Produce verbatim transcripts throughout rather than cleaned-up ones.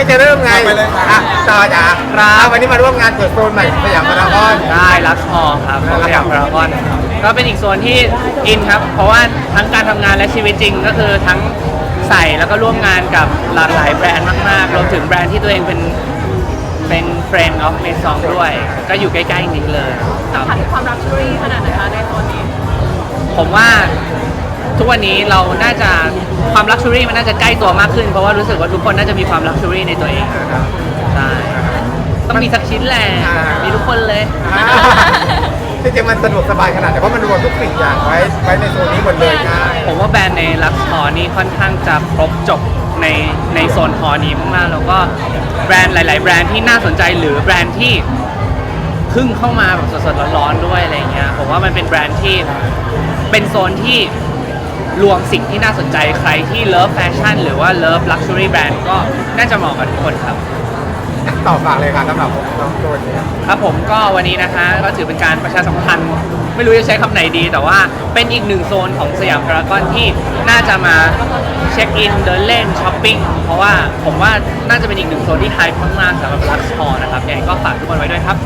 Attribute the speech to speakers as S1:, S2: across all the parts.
S1: ก็จะเริ่มไง
S2: ไปเลยครับ
S1: อ่ะต่อจ้ะ
S3: ครับ
S1: อ่ะวันนี้มาร่วมงานเปิดโซนใหม่สยามพารากอน
S3: ได้ลักซ์ฮอลครับของสยามพารากอนก็เป็นอีกโซนที่อินครับ เพราะว่าทั้งการทำงานและชีวิตจริงก็คือทั้งใส่แล้วก็ร่วมงานกับหลากหลายแบรนด์มากๆรวมถึงแบรนด์ที่ตัวเองเป็นเป็น friend of Maison ด้วย ก็อยู่ใกล้ๆนี้เลยครับ
S4: ผ่านความรักชัวรี่ขนาดไหนคะในโซนนี้
S3: ผมว่าทุกวันนี้เราน่าจะความลักชัวรี่มันน่าจะใกล้ตัวมากขึ้น เพราะว่ารู้สึกว่าทุกคนน่าจะมีความลักชัวรี่ในตัวเองนะครับใช่ต้องมีสักชิ้นแหละมีทุกคนเลย
S1: จริงๆมันสะดวกสบายขนาดไหนเพราะมันรวมทุกสิ่งอย่างไว้ไว้ในโซนนี้หมดเลยง่าย
S3: ผมว่าแบรนด์ในลักซ์ฮอนี่ค่อนข้างจะครบจบในในโซนฮอนี้มากๆแล้วก็แบรนด์หลาย ๆ แบรนด์ที่น่าสนใจหรือแบรนด์ที่เพิ่งเข้ามาแบบสดๆร้อนๆด้วยอะไรเงี้ยผมว่ามันเป็นแบรนด์ที่เป็นโซนที่รวมสิ่งที่น่าสนใจใครที่เลิฟแฟชั่นหรือว่าเลิฟลักชัวรี่แบรนด์ก็น่าจะเหมาะกับทุกคนครับ
S1: ต่อฝากเลยค่ะสำหรับน้องโซนนี้
S3: ครับผมก็วันนี้นะคะก็ถือเป็นการประชาสัมพันธ์ไม่รู้จะใช้คำไหนดี แต่ว่าเป็นอีกหนึ่งโซนของสยามพารากอนที่น่าจะมาเช็คอินเดินเล่นช้อปปิ้งเพราะว่าผมว่าน่าจะเป็นอีกหนึ่งโซนที่ไฮมากๆสำหรับลักซ์ฮอลนะครับยังไงก็ฝากทุกคนไว้ด้วยครับ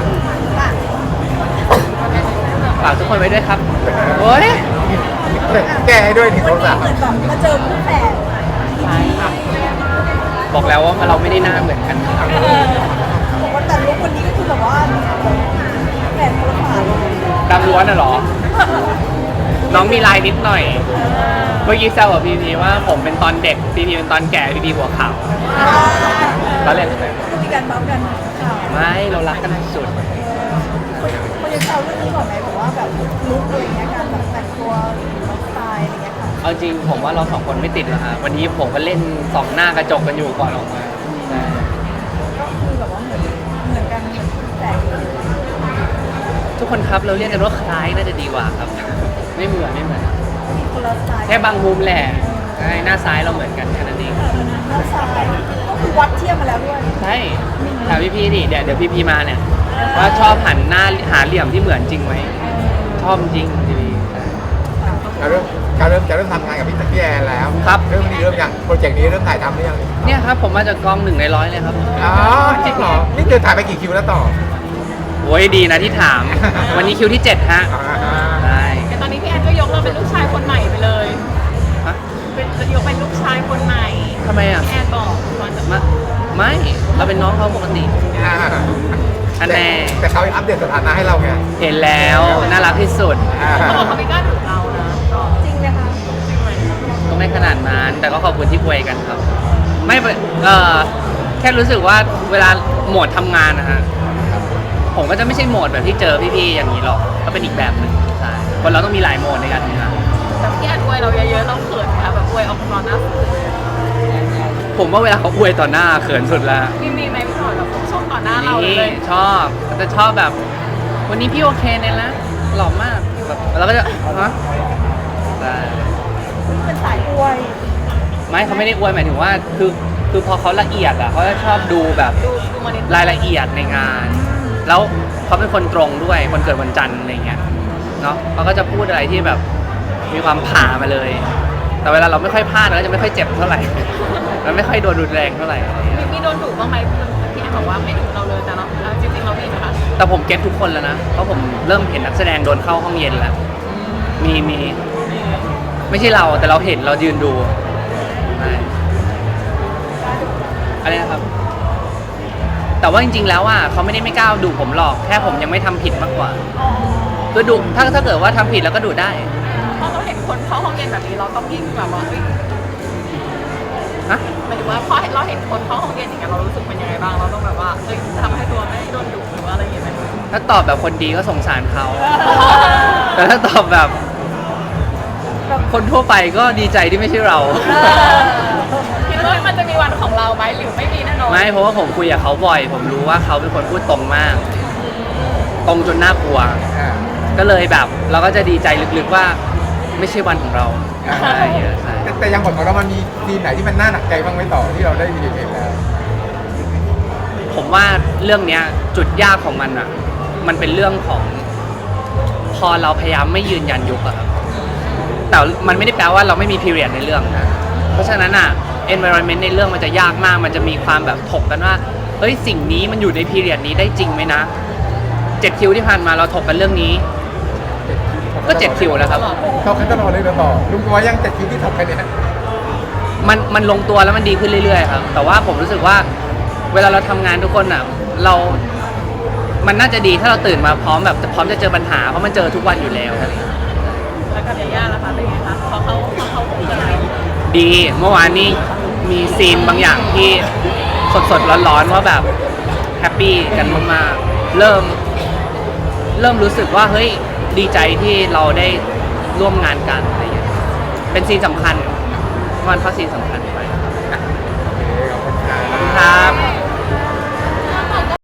S3: ฝากทุกคนไว้ด้วยครับโอ้ย
S1: แก้ให้ด้วยถึงโทรศัพท์
S5: เหมือนแบบมาเจอคู่แฝด
S3: บอกแล้วว่าเราไม่ได้หน้าเหมือนกัน
S5: บอกว่าแต่ลุควันนี้ก็คือแบบว่าแฝดคนละฝาเลย
S3: ดำล้วนน่ะเหรอ น้องมีลายนิดหน่อยเมื่อกี้แซวกับพีพีว่าผมเป็นตอนเด็กพีพีเป็นตอนแก่พีพีหัวขาวตอนเล่น
S5: ก็มีการเมาส์กันค่ะ
S3: ไม่เรารักกันสุด
S5: คนยังแซวเรื่องนี้ก่อนไหมบอกว่าแบบลุคอะไรเงี้ยการแบบแต่งตัวสไตล์อะไรเงี้ยค่ะ
S3: เอาจริงผมว่าเราสองคนไม่ติดหรอกฮะวันนี้ผมก็เล่นสองหน้ากระจกกันอยู่ก่อนออกมาใช่
S5: ก็คือแบบว่าเหมือนเหมือนกันเหมือนแฝดเลย
S3: ทุกคนครับเราเรียกกันว่าคล้ายน่าจะดีกว่าครับ ไม่เหมือนไม่เหมือน
S5: มีคนละสไตล์
S3: แค่บางมุมแหละใช่หน้าซ้ายเราเหมือนกันแค่นั้นเอง
S5: หน้าซ้ายก็คือวัดเทียบมาแล้วด้วย
S3: ใช่ถามพี่พี่ดิเดี๋ยวเดี๋ยวพี่พี่มาเนี่ยว่าชอบหันหน้าหาเหลี่ยมที่เหมือนจริงไหมชอบจริงพี่พี่
S1: การเริ่มการเริ่มจะเริ่มทำงานกับพี่พี่แอนแล้ว
S3: ครับ
S1: เริ่มนี้เริ่มยังโปรเจกต์นี้เริ่มถ่ายทำหรือยัง
S3: เนี่ยครับผมมาจากกองหนึ่งในร้อยเลยครับ
S1: อ๋อจริงเหรอนี่เดินถ่ายไปกี่คิวแล้วต่อ
S3: โอ้ยดีนะที่ถาม วันนี้คิวที่เจ็ดฮะ
S1: อ่า
S3: ได้
S4: แต่ตอนนี้พี่แอนก็ยกเราเป็นลูกชายคนใหม่ไปเลย
S3: ฮะ
S4: เป็นยกเป็นลูกชายคนใหม่
S3: ทำไมอ่ะ
S4: พี่แอนบอกก่อนจะ
S3: มาไม่เราเป็นน้องเขาปกติ
S1: อ่า
S3: อันแน่
S1: แต่เขาอัปเดตสถานะให้เราไง
S3: เห็นแล้วน่ารักที่สุด
S1: อ่า
S4: เขาบอกเขาไม่กล้าดุเรานะก็
S5: จริงไหมคะ
S4: จริงไหม
S3: ก็ไม่ขนาดนั้นแต่ก็ขอบคุณที่คุยกันครับ ไม่เป็นเออแค่รู้สึกว่าเวลาโหมดทำงานนะฮะผมก็จะไม่ใช่โหมดแบบที่เจอพี่ๆอย่างนี้หรอกก็เป็นอีกแบบหนึ่งใช่คนเราต้องมีหลายโหมดในการทำงาน
S4: แต่พี่แอนอวยเราเยอะๆเราเขินค่ะแบบอวยออกมาหน้าสื่อ
S3: ผมว่าเวลาเขาอวยต่อหน้าเขินสุดแล้ว
S4: มีมีไหมพี่หน่อยแบบชมต่อหน้าเราเล
S3: นี่
S4: ย
S3: ชอบแต่ชอบแบบ วันนี้พี่โอเคเนี่ยนะหล่อมากแบบแล้วก็จะฮะได้
S5: เป็นสายอวย
S3: ไม่เขาไม่ได้อวยหมายถึงว่าคือคือพอเขาละเอียดอ่ะเขาจะชอบดูแบบ
S4: ดูดูมานิด
S3: รายละเอียดในงาน แล้วเขาเป็นคนตรงด้วยคนเกิดวันจันทร์อะไรเงี้ยเนาะเขาก็จะพูดอะไรที่แบบมีความผ่ามาเลย แต่เวลาเราไม่ค่อยพลาดเราก็จะไม่ค่อยเจ็บเท่าไหร่ มันไม่ค่อยโดนรุนแรงเท่าไหร่อะไรเงี้ย
S4: มีมีโดนดุบ้างไหมพี่แอนบอกว่าไม่ดุเราเลยแต่เราเราจริงๆเรามีนะคะ
S3: แต่ผมเก็ตทุกคนแล้วนะเพราะผมเริ่มเห็นนักแสดงโดนเข้าห้องเย็นแล้วมีมีไม่ใช่เราแต่เราเห็นเรายืนดูใช่อะไรนะครับ แต่ว่าจริงๆ แล้วอ่ะเขาไม่ได้ไม่กล้าดุผมหรอกแค่ผมยังไม่ทำผิดมากกว่าคือดุถ้าถ้าเกิดว่าทำผิดแล้วก็ดุได้
S4: เพราะเราเห็นคนเข้าห้องเรียนแบบนี้เราต้องยิ่งแบบว่าเฮ้ย
S3: ฮะ
S4: หมายถึงว่าพอเราเห็นคนเข้าห้องเรียนอย่างเงี้ยเรารู้สึกเป็นยังไงบ้างเราต้องแบบว่าเฮ้ยทำให้ตัวไม่โดนดุหรือว่าอะไรอย่างเงี้ยไหม
S3: ถ้าตอบแบบคนดีก็สงสารเขาแต่ถ้าตอบแบบคนทั่วไปก็ดีใจที่ไม่ใช่เรา
S4: คิดว่ามันจะมีวันของเราไหมหรือไม่มีแน่นอน
S3: ไม่เพราะว่าผมคุยกับเขาบ่อย ผมรู้ว่าเขาเป็นคนพูดตรงมาก ตรงจนน่ากลัว
S1: อ่า
S3: ก็เลยแบบเราก็จะดีใจลึกๆว่าไม่ใช่วันของเราใช่ใช่
S1: แต่แต่ยังบทของเรามันมีซีนไหนที่มันน่าหนักใจบ้างไหมต่อที่เราได้มีเห็นแล้ว
S3: ผมว่าเรื่องเนี้ยจุดยากของมันอ่ะ มันเป็นเรื่องของพอเราพยายามไม่ยืนยันยุคอะครับแต่มันไม่ได้แปลว่าเราไม่มีพีเรียดในเรื่องนะเพราะฉะนั้นอ่ะ environment ในเรื่องมันจะยากมากมันจะมีความแบบถกกันว่าเฮ้ยสิ่งนี้มันอยู่ในพีเรียดนี้ได้จริงไหมนะเจ็ดคิวที่ผ่านมาเราถกกันเรื่องนี้ก็เจ็ดคิวแล้วครับ
S1: เขาคันตลอดเลยต่อลุงกลัวยังเจ็ดคิวที่ถกกันเนี่ย
S3: มันมันลงตัวแล้วมันดีขึ้นเรื่อยๆครับแต่ว่าผมรู้สึกว่าเวลาเราทำงานทุกคนอ่ะเรา มันน่าจะดีถ้าเราตื่นมาพร้อมแบบพร้อมจะเจอปัญหาเพราะมันเจอทุกวันอยู่แล้วครับ
S4: แล้วกับยาย่าล่ะคะเป็นไงคะพอเขาพอเขาคุยกันอะไร
S3: ดีเมื่อวานนี้มีซีนบางอย่างที่สดๆร้อนๆว่าแบบแฮปปี้กันมากๆเริ่มเริ่มรู้สึกว่าเฮ้ยดีใจที่เราได้ร่วมงานกันอะไรอย่างเงี้ยเป็นซีนสำคัญมันเพราะซีนสำคัญไป
S1: ขอบคุณครับ
S3: ครับ